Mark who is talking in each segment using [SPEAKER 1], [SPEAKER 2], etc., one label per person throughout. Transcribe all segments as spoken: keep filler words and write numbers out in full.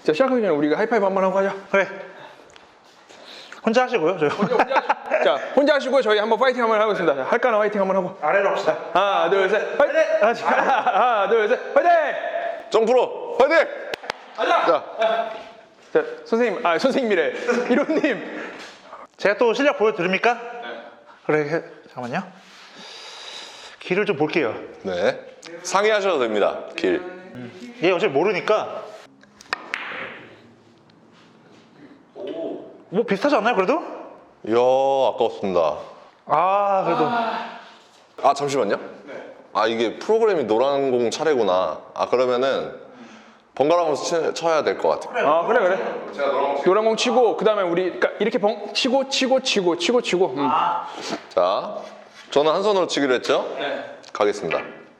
[SPEAKER 1] 자, 시작하기 전에 우리가 하이파이브 한번 하고 가자.
[SPEAKER 2] 그래. 혼자 하시고요, 저.
[SPEAKER 1] 혼자, 혼자, 자, 혼자 하시고 저희 한번 파이팅 한번 하겠습니다. 자, 할까나 파이팅 한번 하고.
[SPEAKER 2] 아래로 합시다.
[SPEAKER 1] 하나, 둘, 셋, 파이팅! 하나, 둘, 셋, 파이팅!
[SPEAKER 3] 점프로 파이팅!
[SPEAKER 1] 가자!
[SPEAKER 3] 자,
[SPEAKER 1] 자, 선생님, 아, 선생님이래. 이론님.
[SPEAKER 2] 제가 또 실력 보여드립니까? 네. 그래, 해- 잠깐만요. 길을 좀 볼게요.
[SPEAKER 3] 네. 상의하셔도 됩니다. 길.
[SPEAKER 2] 얘 어차피 모르니까. 뭐 비슷하지 않나요, 그래도?
[SPEAKER 3] 이야, 아까웠습니다.
[SPEAKER 2] 아, 그래도.
[SPEAKER 3] 아, 잠시만요. 아, 이게 프로그램이 노란 공 차례구나. 아, 그러면은 번갈아가면서 치- 쳐야 될 것 같아요.
[SPEAKER 1] 아, 그래, 그래.
[SPEAKER 3] 제가 노란 공
[SPEAKER 1] 노란 공 치고, 그 다음에 우리, 그러니까 이렇게 벙, 치고, 치고, 치고, 치고, 치고. 음.
[SPEAKER 3] 자, 저는 한 손으로 치기로 했죠?
[SPEAKER 1] 네.
[SPEAKER 3] 가겠습니다.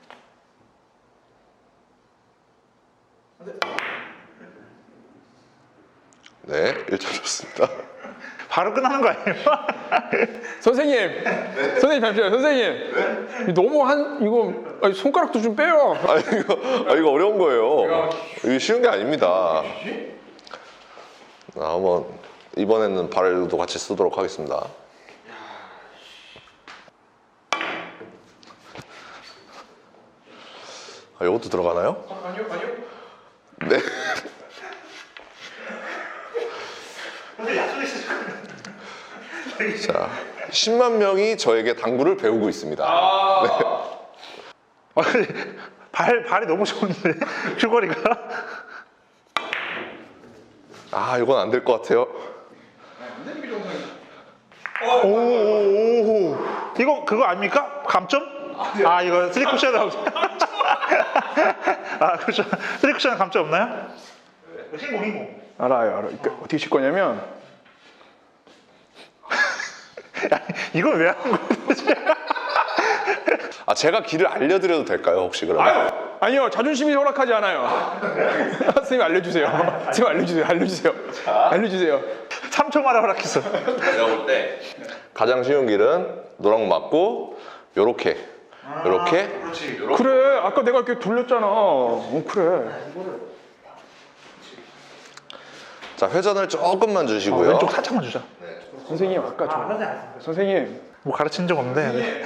[SPEAKER 3] 네, 일 점 좋습니다.
[SPEAKER 2] 바로 끝나는 거 아니에요?
[SPEAKER 1] 선생님, 선생님 잠시만요, 선생님. 너무 한 이거 아니, 손가락도 좀 빼요.
[SPEAKER 3] 아, 이거, 아, 이거 어려운 거예요. 이게 쉬운 게 아닙니다. 자, 한번 이번에는 발도 같이 쓰도록 하겠습니다. 아, 이것도 들어가나요?
[SPEAKER 1] 아니요, 아니요.
[SPEAKER 3] 네.
[SPEAKER 2] 근데 약속이 있으실
[SPEAKER 3] 자, 십만 명이 저에게 당구를 배우고 있습니다.
[SPEAKER 1] 아,
[SPEAKER 2] 아, 근데 발, 발이 너무 좋은데? 큐거리가?
[SPEAKER 3] 아, 이건 안 될 것 같아요.
[SPEAKER 2] 오, 오, 오. 이거 그거 아닙니까? 감점? 아, 이거 쓰리 쿠션. 아, 그렇죠. 쓰리 쿠션 감점 없나요? 흰공, 흰공.
[SPEAKER 1] 알아요, 알아. 그러니까 어떻게 칠 거냐면
[SPEAKER 2] 이건 왜 하는 거예요?
[SPEAKER 3] 아, 제가 길을 알려드려도 될까요, 혹시 그러면?
[SPEAKER 1] 아유, 아니요, 자존심이 허락하지 않아요. 선생님 알려주세요. 선생님 알려주세요, 알려주세요, 알려주세요.
[SPEAKER 2] 삼 초 만에 허락했어.
[SPEAKER 3] 제가 볼 때 가장 쉬운 길은 노랑 맞고 요렇게 요렇게
[SPEAKER 2] 그렇지.
[SPEAKER 1] 그래, 아까 내가 이렇게 돌렸잖아. 어, 그래.
[SPEAKER 3] 자, 회전을 조금만 주시고요.
[SPEAKER 2] 왼쪽 살짝만 주자.
[SPEAKER 1] 선생님 아까 저 선생님
[SPEAKER 2] 뭐 가르친 적 없는데.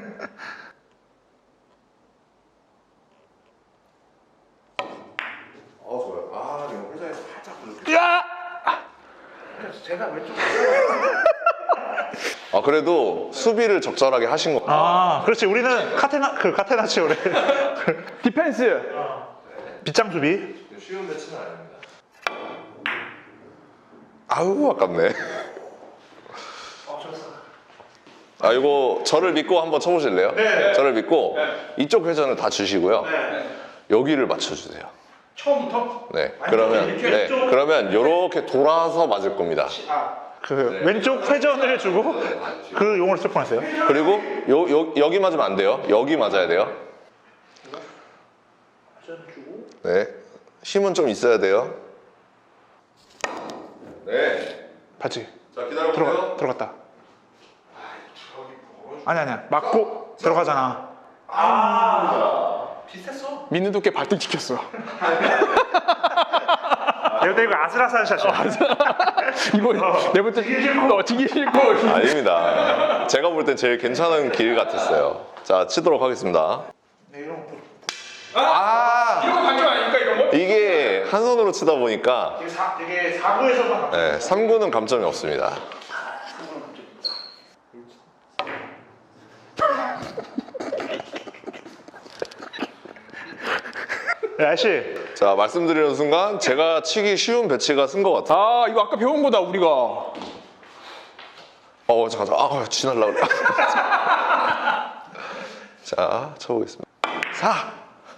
[SPEAKER 3] 어, 좋아요. 아, 이거 회전에서 살짝
[SPEAKER 1] 야!
[SPEAKER 2] 제가 왼쪽.
[SPEAKER 3] 아, 그래도 수비를 적절하게 하신 거.
[SPEAKER 2] 아, 그렇지. 우리는 카테나 그 카테나치오래.
[SPEAKER 1] 디펜스.
[SPEAKER 2] 빗장 수비.
[SPEAKER 3] 쉬운 배치는 아닙니다. 아우, 아깝네. 아, 이거 저를 믿고 한번 쳐보실래요?
[SPEAKER 2] 네.
[SPEAKER 3] 저를 믿고
[SPEAKER 1] 네.
[SPEAKER 3] 이쪽 회전을 다 주시고요.
[SPEAKER 2] 네.
[SPEAKER 3] 여기를 맞춰주세요.
[SPEAKER 1] 처음부터?
[SPEAKER 3] 네. 그러면
[SPEAKER 2] 이렇게
[SPEAKER 3] 네.
[SPEAKER 2] 왼쪽으로-
[SPEAKER 3] 그러면 이렇게 돌아서 맞을 겁니다.
[SPEAKER 2] 그 왼쪽 회전을 주고 그 용어를 쓸 뻔했어요.
[SPEAKER 3] 그리고 요, 요, 여기 맞으면 안 돼요. 여기 맞아야 돼요. 네. 힘은 좀 있어야 돼요. 네.
[SPEAKER 2] 봤지?
[SPEAKER 3] 자, 기다려보세요.
[SPEAKER 2] 들어가 들어갔다. 아니 아니야. 맞고 들어가잖아.
[SPEAKER 1] 민우 두께 발등 찍혔어.
[SPEAKER 2] 내가 이거 아슬아슬한 샷이야.
[SPEAKER 1] 이거 내가 볼때 어, 튀기 싫고.
[SPEAKER 3] 아닙니다. 제가 볼 땐 제일 괜찮은 길 같았어요. 자, 치도록 하겠습니다.
[SPEAKER 2] 네, 이런 거
[SPEAKER 3] 아,
[SPEAKER 1] 이런 거 반격 아닙니까 이런 거?
[SPEAKER 3] 이게 한 손으로 치다 보니까
[SPEAKER 2] 되게 사 되게 사구에서만.
[SPEAKER 3] 네, 삼 구는 감점이 없습니다.
[SPEAKER 2] 아저씨.
[SPEAKER 3] 자, 말씀드리는 순간 제가 치기 쉬운 배치가 쓴 것 같아요.
[SPEAKER 1] 아, 이거 아까 배운 거다 우리가.
[SPEAKER 3] 어, 잠깐, 아, 지날라 그래. 자, 쳐보겠습니다. 사.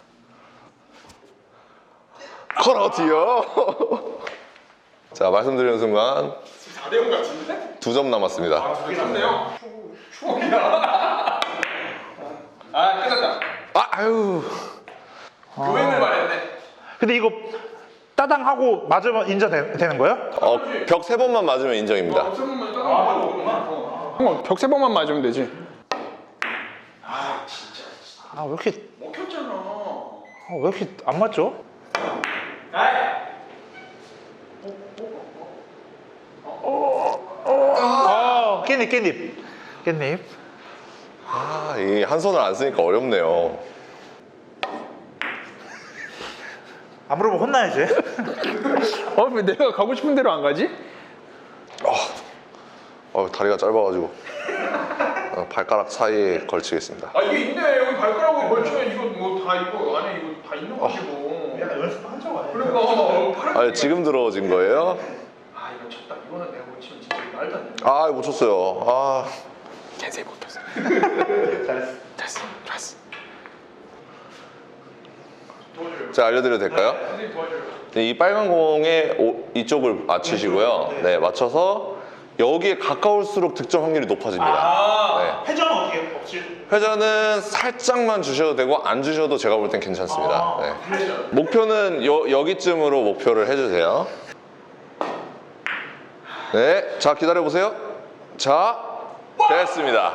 [SPEAKER 3] 커러티요. 자, 말씀드리는 순간
[SPEAKER 1] 사 대 영 같은데?
[SPEAKER 3] 두 점 남았습니다.
[SPEAKER 1] 그게 좋네요. 추억이야. 아, 끝났다.
[SPEAKER 3] 아, 아유.
[SPEAKER 1] 교행을 말했네.
[SPEAKER 2] 근데 이거 따당 하고 맞으면 인정되는 거예요?
[SPEAKER 3] 어, 벽 세 번만 맞으면 인정입니다.
[SPEAKER 1] 벽 세 번만 따라가면 벽 세 번만 맞으면 되지.
[SPEAKER 2] 아 왜 이렇게
[SPEAKER 1] 먹혔잖아.
[SPEAKER 2] 아, 왜 이렇게 안 맞죠? 깻잎 깻잎 깻잎.
[SPEAKER 3] 아, 이 한 손을 안 쓰니까 어렵네요.
[SPEAKER 2] 안 물어보면 혼나야지.
[SPEAKER 1] 어, 왜 내가 가고 싶은 대로 안 가지?
[SPEAKER 3] 어, 다리가 짧아가지고 어, 발가락 사이에 걸치겠습니다.
[SPEAKER 1] 아, 이게 있네. 여기 발가락으로 걸치면 이거 뭐 다 이거 안에 이거 다 있는 것이고.
[SPEAKER 2] 약간 연습한 적 아니야?
[SPEAKER 1] 그러니까 어, 팔.
[SPEAKER 3] 아, 지금 들어진 거예요?
[SPEAKER 1] 아, 이거 쳤다. 이거는 내가 못 치면 진짜 말도 안 돼.
[SPEAKER 3] 아, 못 쳤어요. 아,
[SPEAKER 1] 캔슬 못했어.
[SPEAKER 2] 잘했어.
[SPEAKER 1] 됐어. 좋았어.
[SPEAKER 3] 제가 알려드려도 될까요?
[SPEAKER 1] 선생님 도와줘요.
[SPEAKER 3] 이 빨간 공에 오- 이쪽을 맞추시고요. 네, 맞춰서 여기에 가까울수록 득점 확률이 높아집니다. 네.
[SPEAKER 2] 회전은 어떻게 없지?
[SPEAKER 3] 회전은 살짝만 주셔도 되고 안 주셔도 제가 볼 땐 괜찮습니다. 네. 목표는 여, 여기쯤으로 목표를 해주세요. 네, 자 기다려 보세요. 자, 됐습니다.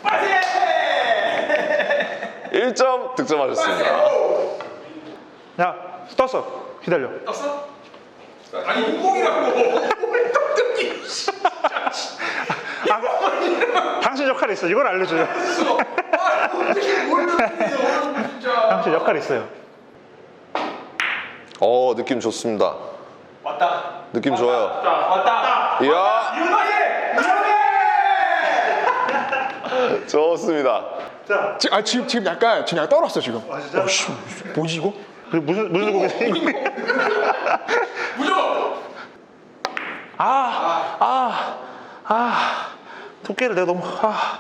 [SPEAKER 3] 일 점 득점하셨습니다.
[SPEAKER 2] 야 떴어. 기다려.
[SPEAKER 1] 떴어? 아니 인공이라고. 뭘 떡떡이.
[SPEAKER 2] 아, 그, 당신 역할이 있어. 이걸 알려줘요.
[SPEAKER 1] 아, 어떻게 모르겠어요. 진짜.
[SPEAKER 2] 당신 역할이 있어요.
[SPEAKER 3] 어, 느낌 좋습니다.
[SPEAKER 1] 왔다.
[SPEAKER 3] 느낌 좋아요.
[SPEAKER 1] 자, 왔다.
[SPEAKER 3] 이야,
[SPEAKER 1] 유명해.
[SPEAKER 3] 좋습니다.
[SPEAKER 2] 자,
[SPEAKER 1] 지금 아 지금 지금 약간 지금 약간 떨었어 지금.
[SPEAKER 2] 아 진짜?
[SPEAKER 1] 어씨, 뭐지 이거?
[SPEAKER 2] 그 무슨 무슨 곡이지?
[SPEAKER 1] 무조건.
[SPEAKER 2] 아, 아, 아, 두께를 내가 너무 아,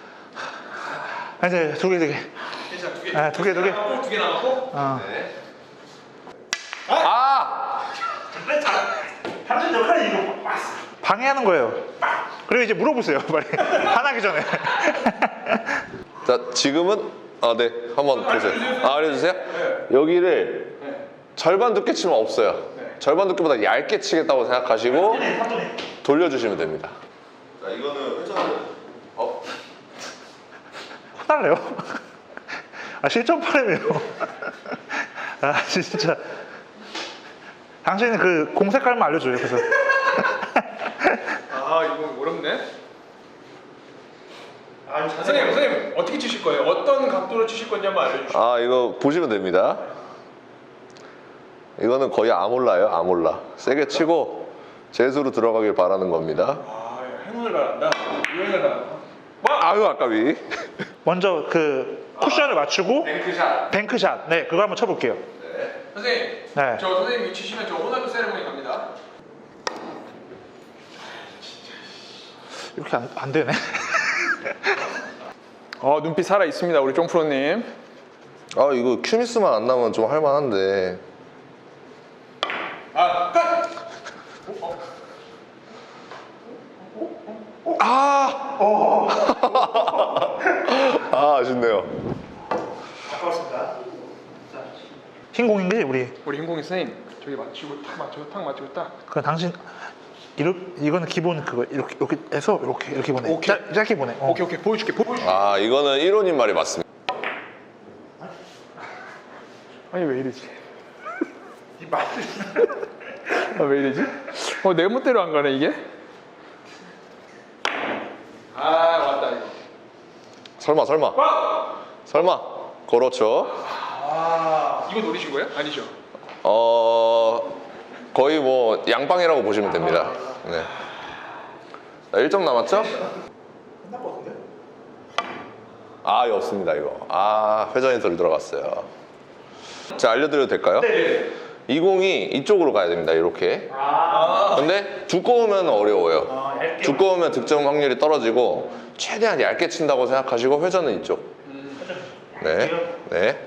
[SPEAKER 2] 아 이제 두 개, 두 개,
[SPEAKER 1] 괜찮아, 두 개.
[SPEAKER 2] 아, 두 개, 두 개.
[SPEAKER 1] 두 개 남았고.
[SPEAKER 2] 어.
[SPEAKER 3] 아,
[SPEAKER 2] 당신 역할이 이거 방해하는 거예요. 그리고 이제 물어보세요, 빨리 화나기 전에.
[SPEAKER 3] 자 지금은 아, 네, 한번 보세요. 아, 알려주세요. 여기를 절반 두께 치면 없어요. 절반 두께보다 얇게 치겠다고 생각하시고 돌려주시면 됩니다. 자, 이거는 회전을 어?
[SPEAKER 2] 화날래요? 아 실전 파lem이에요. 아 진짜. 당신은 그 공 색깔만 알려줘요. 그래서
[SPEAKER 1] 아 이거 어렵네. 아 선생님 선생님 어떻게 치실 거예요? 어떤 각도로 치실 건지 한번 알려주시죠.
[SPEAKER 3] 아, 이거 보시면 됩니다. 이거는 거의 아몰라예요, 아몰라. 세게 치고 재수로 들어가길 바라는 겁니다.
[SPEAKER 1] 아 행운을 바란다. 유행을 바란다. 와.
[SPEAKER 3] 아유, 아까비.
[SPEAKER 2] 먼저 그 쿠션을 맞추고
[SPEAKER 1] 뱅크샷.
[SPEAKER 2] 뱅크샷. 네, 그거 한번 쳐볼게요.
[SPEAKER 1] 네. 선생님.
[SPEAKER 2] 네.
[SPEAKER 1] 저 선생님이 치시면 저 호날두 세레모니 갑니다.
[SPEAKER 2] 이렇게 안, 안 되네.
[SPEAKER 1] 어 눈빛 살아 있습니다 우리 쫑프로님.
[SPEAKER 3] 아, 이거 큐미스만 안 나면 좀 할만한데.
[SPEAKER 1] 아 끝.
[SPEAKER 3] 아! 아, 아쉽네요.
[SPEAKER 2] 아까웠습니다. 흰 공인데 우리.
[SPEAKER 1] 우리 흰공이 선생님 저기 맞추고 탁 맞추고 탁 맞추고 딱.
[SPEAKER 2] 그 당신 이렇게 이거는 기본 그거 이렇게 이렇게 해서 이렇게 이렇게 보내.
[SPEAKER 1] 오케이.
[SPEAKER 2] 짧, 짧게 보내. 어.
[SPEAKER 1] 오케이 오케이 보여줄게 보여줄게.
[SPEAKER 3] 아, 이거는 일호님 말이 맞습니다.
[SPEAKER 1] 아니 왜 이러지? 아, 왜 이러지? 어, 내 멋대로 안 가네 이게? 아 맞다 이거.
[SPEAKER 3] 설마, 설마.
[SPEAKER 1] 와!
[SPEAKER 3] 설마. 그렇죠.
[SPEAKER 1] 아 이거 노리신 거예요? 아니죠?
[SPEAKER 3] 어, 거의 뭐 양방이라고 보시면 됩니다. 네. 자, 일 점 남았죠?
[SPEAKER 2] 끝날 것 같은데?
[SPEAKER 3] 아, 이거 없습니다, 이거. 아, 회전이 덜 들어갔어요. 자, 알려드려도 될까요?
[SPEAKER 1] 네.
[SPEAKER 3] 이 공이 이쪽으로 가야 됩니다, 이렇게.
[SPEAKER 1] 아
[SPEAKER 3] 근데 두꺼우면 어려워요.
[SPEAKER 2] 아, 얇게.
[SPEAKER 3] 두꺼우면 득점 확률이 떨어지고 최대한 얇게 친다고 생각하시고 회전은 이쪽. 네, 네.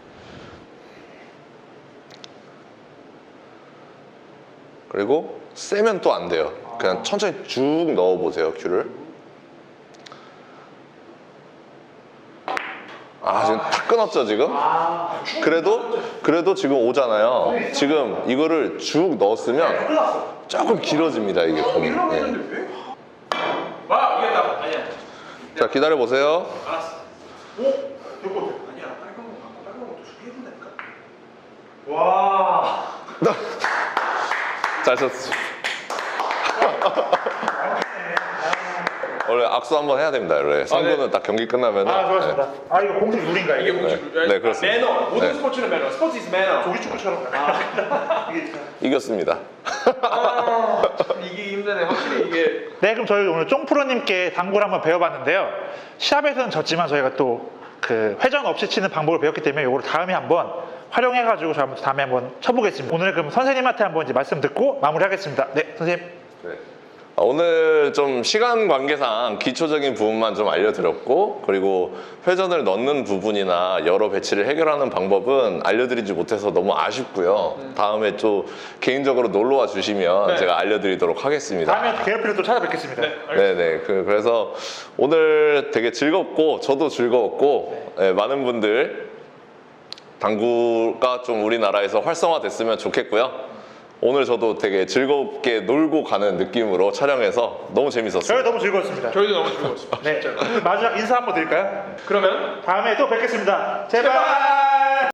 [SPEAKER 3] 그리고 세면 또 안 돼요. 그냥 천천히 쭉 넣어보세요, 큐를. 아, 지금 다 끊었죠, 지금? 그래도, 그래도 지금 오잖아요. 지금 이거를 쭉 넣었으면 조금 길어집니다, 이게 공이.
[SPEAKER 1] 이러고
[SPEAKER 3] 네.
[SPEAKER 1] 있는데 왜? 와 이겼다. 아니야.
[SPEAKER 3] 자, 기다려보세요.
[SPEAKER 1] 알았어. 오? 이거 아니야. 빨간 거 갖고 빨간 거도 두개 해준다니까.
[SPEAKER 2] 와.
[SPEAKER 3] 잘 쳤어. 원래 악수 한번 해야 됩니다. 원래 삼 구는 딱 경기 끝나면.
[SPEAKER 2] 아, 좋았습니다. 아, 이거 공식 룰인가요?
[SPEAKER 1] 이게
[SPEAKER 2] 이게
[SPEAKER 1] 공식
[SPEAKER 3] 네, 네, 그렇습니다.
[SPEAKER 1] 매너. 모든
[SPEAKER 3] 네.
[SPEAKER 1] 스포츠는 매너. 스포츠 is 매너.
[SPEAKER 2] 조기 축구처럼. 아. 이게
[SPEAKER 3] 이겼습니다.
[SPEAKER 1] 아, 이게 힘드네. 확실히 이게.
[SPEAKER 2] 네, 그럼 저희 오늘 쫑프로님께 당구를 한번 배워봤는데요. 시합에서는 졌지만 저희가 또 그 회전 없이 치는 방법을 배웠기 때문에 이거를 다음에 한번 활용해가지고 저희 한번 다음에 한번 쳐보겠습니다. 오늘 그럼 선생님한테 한번 이제 말씀 듣고 마무리하겠습니다. 네, 선생님.
[SPEAKER 3] 네. 아, 오늘 좀 시간 관계상 기초적인 부분만 좀 알려드렸고, 그리고 회전을 넣는 부분이나 여러 배치를 해결하는 방법은 알려드리지 못해서 너무 아쉽고요. 다음에 또 개인적으로 놀러와 주시면
[SPEAKER 1] 네.
[SPEAKER 3] 제가 알려드리도록 하겠습니다.
[SPEAKER 2] 다음에 개업비를 또 찾아뵙겠습니다.
[SPEAKER 3] 네네. 그, 그래서 오늘 되게 즐겁고 저도 즐거웠고 네, 많은 분들 당구가 좀 우리나라에서 활성화됐으면 좋겠고요. 오늘 저도 되게 즐겁게 놀고 가는 느낌으로 촬영해서 너무 재밌었어요.
[SPEAKER 2] 저희 너무 즐거웠습니다.
[SPEAKER 1] 저희도 너무 즐거웠습니다.
[SPEAKER 2] 네, 마지막 인사 한번 드릴까요?
[SPEAKER 1] 그러면
[SPEAKER 2] 다음에 또 뵙겠습니다. 제발.
[SPEAKER 1] 제발!